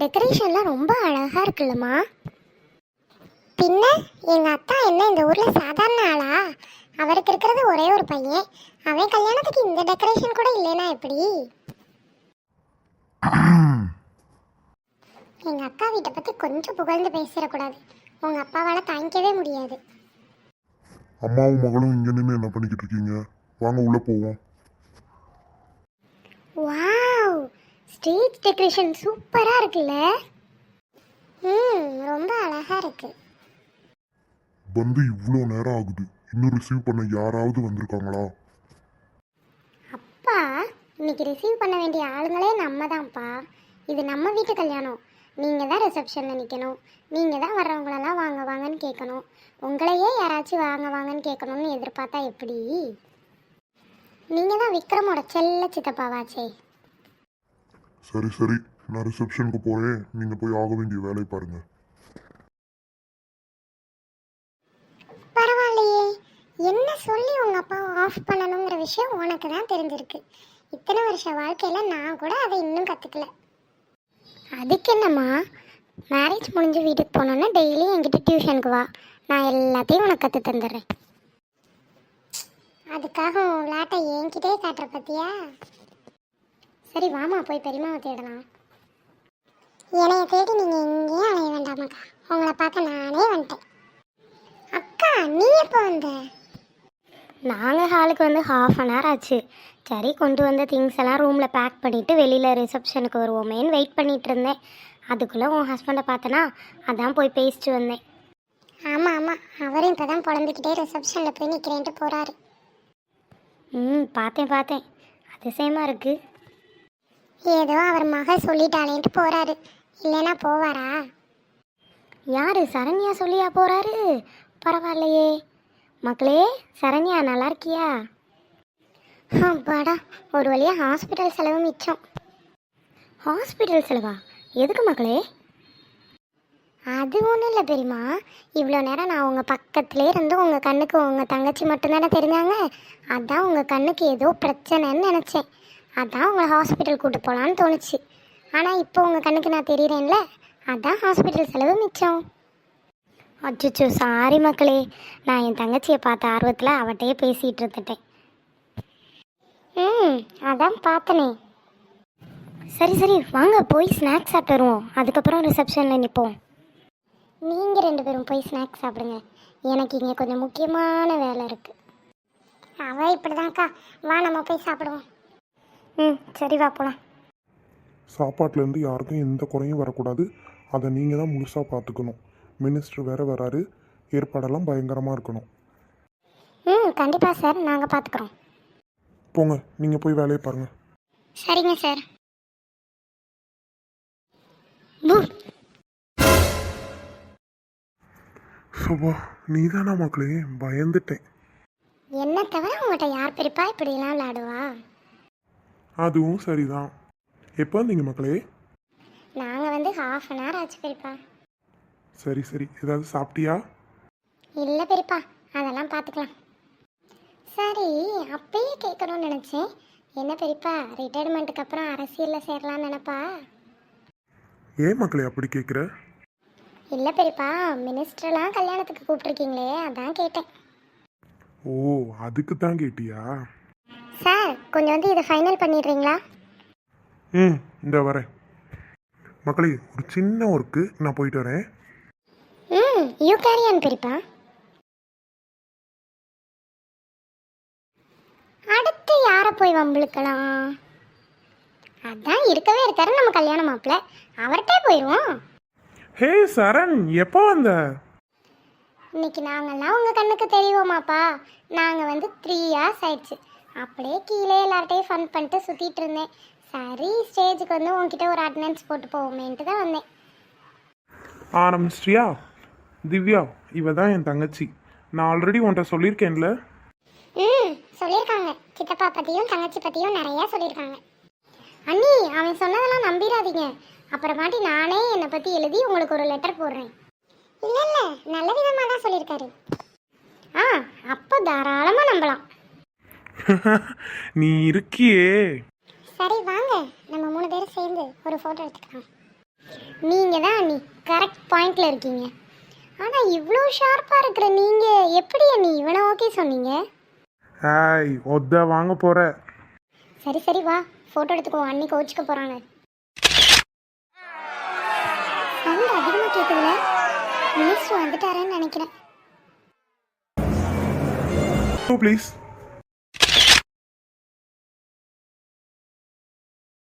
டெக்கரேஷன்லாம் ரொம்ப அழகா இருக்குல்லம்மா. பின்ன எங்க அத்தா என்ன இந்த ஊர்ல சாதாரண ஆளா? அவருக்கு இருக்கிறது ஒரே ஒரு பையன். அவன் கல்யாணத்துக்கு இந்த டெக்கரேஷன் கூட இல்லைனா எப்படி? எங்க அக்கா வீட்டை பத்தி கொஞ்சம் புகழ்ந்து பேசிடக்கூடாது. உங்க அப்பாவால தாங்கிக்கவே முடியாது. அம்மாவும் மகளும் இங்க நின்று என்ன பண்ணிக்கிட்டு இருக்கீங்க? வாங்க உள்ள போவோம். வாவ், ஸ்டேஜ் டெக்கரேஷன் சூப்பரா இருக்குல்ல. ரொம்ப அழகா இருக்கு. வந்து இவ்வளோ நேரம் ஆகுது, இன்னும் ரிசீவ் பண்ண யாராவது வந்திருக்காங்களா? அப்பா, இன்னைக்கு ரிசீவ் பண்ண வேண்டிய ஆளுங்களே நம்ம தான்ப்பா. இது நம்ம வீட்டு கல்யாணம். நீங்கள் தான் ரிசப்ஷனில் நிற்கணும். நீங்கள் தான் வர்றவங்களெல்லாம் வாங்க வாங்கன்னு கேட்கணும். உங்களையே யாராச்சும் வாங்க வாங்கன்னு கேட்கணும்னு எதிர்பார்த்தா எப்படி? நீங்கள் தான் விக்ரமோட செல்ல சித்தப்பாவாச்சே. சரி சரி, நான் ரிசப்ஷனுக்கு போறேன். நீங்க போய் ஆக வேண்டிய வேலையை பாருங்க. பரவாயில்லையே, என்ன சொல்லி உங்கள் அப்பாவை ஆஃப் பண்ணணுங்கிற விஷயம் உனக்கு தான் தெரிஞ்சிருக்கு. இத்தனை வருஷ வாழ்க்கையில் நான் கூட அதை இன்னும் கற்றுக்கல. அதுக்கு என்னம்மா, மேரேஜ் முடிஞ்சு வீட்டுக்கு போனோன்னா டெய்லி என்கிட்ட டியூஷனுக்கு வா, நான் எல்லாத்தையும் உனக்கு கற்று தந்துடுறேன். அதுக்காக உன் விளையாட்டை என்கிட்டே காட்டுற பத்தியா? சரி வாமா, போய் பெரியம்மாவை தேடலாம். என்னைய தேடி நீங்கள் எங்கேயும் அலைய வேண்டாமாக்கா, உங்களை பார்க்க நானே வந்துட்டேன். அக்கா, நீ எப்போ வந்த? நாங்கள் ஹாலுக்கு வந்து ½ ஆச்சு. சரி, கொண்டு வந்த திங்ஸ் எல்லாம் ரூமில் பேக் பண்ணிவிட்டு வெளியில் ரிசப்ஷனுக்கு வருவோமேன்னு வெயிட் பண்ணிகிட்டு இருந்தேன். அதுக்குள்ளே உன் ஹஸ்பண்டை பார்த்தனா, அதான் போய் பேசிட்டு வந்தேன். ஆமாம் ஆமாம், அவரும் இப்போ தான் புலம்பிக்கிட்டே ரிசப்ஷனில் போய் நிற்கிறேன்ட்டு போகிறாரு. பார்த்தேன், அதிசயமாக இருக்குது. ஏதோ அவர் மகள் சொல்லிட்டாளேன்ட்டு போகிறாரு, இல்லைன்னா போவாரா? யார், சரண்யா சொல்லியா போகிறாரு? பரவாயில்லையே. மக்களே, சரண்யா நல்லா இருக்கியா? அப்பாடா, ஒரு வழியாக ஹாஸ்பிட்டல் செலவு மிச்சம். ஹாஸ்பிட்டல் செலவா? எதுக்கு மக்களே? அது ஒன்றும் இல்லை பெரியம்மா. இவ்வளோ நேரம் நான் உங்கள் பக்கத்துலேயே இருந்து உங்கள் கண்ணுக்கு உங்கள் தங்கச்சி மட்டும்தானே தெரிஞ்சாங்க. அதான் உங்கள் கண்ணுக்கு ஏதோ பிரச்சனைன்னு நினச்சேன். அதான் உங்களை ஹாஸ்பிட்டல் கூட்டு போகலான்னு தோணுச்சு. ஆனால் இப்போ உங்கள் கண்ணுக்கு நான் தெரியுறேன்ல, அதான் ஹாஸ்பிட்டல் செலவு மிச்சம். அச்சோ, சாரி மக்களே. நான் என் தங்கச்சியை பார்த்த ஆர்வத்தில் அவட்டையே பேசிகிட்டு இருந்துட்டேன். அதான் பார்த்தனே. சரி வாங்க, போய் ஸ்நாக்ஸ் சாப்பிட்டு வருவோம். அதுக்கப்புறம் ரிசப்ஷனில் நிற்போம். நீங்கள் 2 பேரும் போய் ஸ்நாக்ஸ் சாப்பிடுங்க. எனக்கு இங்கே கொஞ்சம் முக்கியமான வேலை இருக்குது. அவள் இப்படி தான்க்கா, வா நம்ம போய் சாப்பிடுவோம். சரி வா போகலாம். சாப்பாட்டிலேருந்து யாருக்கும் எந்த குறையும் வரக்கூடாது. அதை நீங்கள் தான் முழுசாக பார்த்துக்கணும். மினிஸ்டர் வேறு வராரு, ஏற்பாடெல்லாம் பயங்கரமாக இருக்கணும். கண்டிப்பாக சார், நாங்கள் பார்த்துக்குறோம். போங்க, நீங்கள் போய் வேலையை பாருங்கள். சரிங்க சார். சோபா, நீ தானா மக்களே? பயந்துட்டேன். என்ன தவிர உங்கள்கிட்ட யார் பெரியப்பா இப்படிலாம் விளையாடுவா? அதுவும் சரிதான். எப்போ வந்தீங்க மக்களே? நாங்கள் வந்து ½ ஆச்சு பெரியப்பா. சரி ஏதாவது சாப்பிட்டியா? இல்லை பெரியப்பா, அதெல்லாம் பார்த்துக்கலாம். சரி, அப்பயே கேட்கணும்னு நினச்சேன். என்ன பெரியப்பா, ரிட்டையர்மெண்ட்டுக்கு அப்புறம் அரசியலில் சேரலான்னு நினப்பா? ஏன் மக்களே அப்படி கேட்குற? இல்லை பெரியப்பா, மினிஸ்டர்லாம் கல்யாணத்துக்கு கூப்பிட்ருக்கீங்களே, அதான் கேட்டேன். ஓ, அதுக்கு தான் கேட்டியா? சார், கொஞ்சம் வந்து இதை ஃபைனல் பண்ணிடுறீங்களா? இந்த வரேன் மக்களே. ஒரு சின்ன ஒர்க்கு, நான் போயிட்டு வரேன். யூ கேரி ஆன் பெரியப்பா. அடுத்து யாரை போய் வம்பிழுக்கலாம்? அதான் இருக்கவே இருக்காரு நம்ம கல்யாண மாப்பிள்ள, அவர்கிட்டே போயிடுவோம். ஹே சரண், எப்போ வந்த? இன்னைக்கு நாங்கள்லாம் உங்கள் கண்ணுக்கு தெரியுவோமாப்பா. நாங்கள் வந்து 3 years ஆயிடுச்சு. அப்படியே கீழே எல்லார்ட்டையும் ஃபன் பண்ணிட்டு சுற்றிட்டு இருந்தேன். சரி, ஸ்டேஜுக்கு வந்து உங்ககிட்ட ஒரு அட்டண்டன்ஸ் போட்டு போவோமேன்ட்டு தான் வந்தேன். ஆரம்பிச்சிட்டியா? திவ்யா, இவ தான் என் தங்கச்சி. நான் ஆல்ரெடி உன்கிட்ட சொல்லியிருக்கேன்ல. சொல்லியிருக்காங்க. சித்தப்பா பற்றியும் தங்கச்சி பற்றியும் நிறையா சொல்லியிருக்காங்க. அண்ணி, அவன் சொன்னதெல்லாம் நம்பிடாதீங்க. அப்புறமாட்டி நானே என்னை பற்றி எழுதி உங்களுக்கு ஒரு லெட்டர் போடுறேன். இல்லை, நல்ல விதமாக தான் சொல்லியிருக்காரு. அப்போ தாராளமாக நம்பலாம். நீ இருக்கியே. சரி வாங்க, நம்ம 3 பேரும் சேர்ந்து ஒரு ஃபோட்டோ எடுத்துக்கலாம். நீங்கள் தான் அண்ணி கரெக்ட் பாயிண்டில் இருக்கீங்க. ஆனால் இவ்வளோ ஷார்ப்பாக இருக்கிற நீங்கள் எப்படி அண்ணி இவனை ஓகே சொன்னீங்க? ஹாய் ஒத்த வாங்க போகிற. சரி சரி வா ஃபோட்டோ எடுத்துக்குவோம், அண்ணி கோச்சிக்க போகிறாங்க. சவுண்ட் அதிகமாக கேட்குதுல, மினிஸ்டர் வந்துட்டாரேன்னு நினைக்கிறேன். ப்ளீஸ்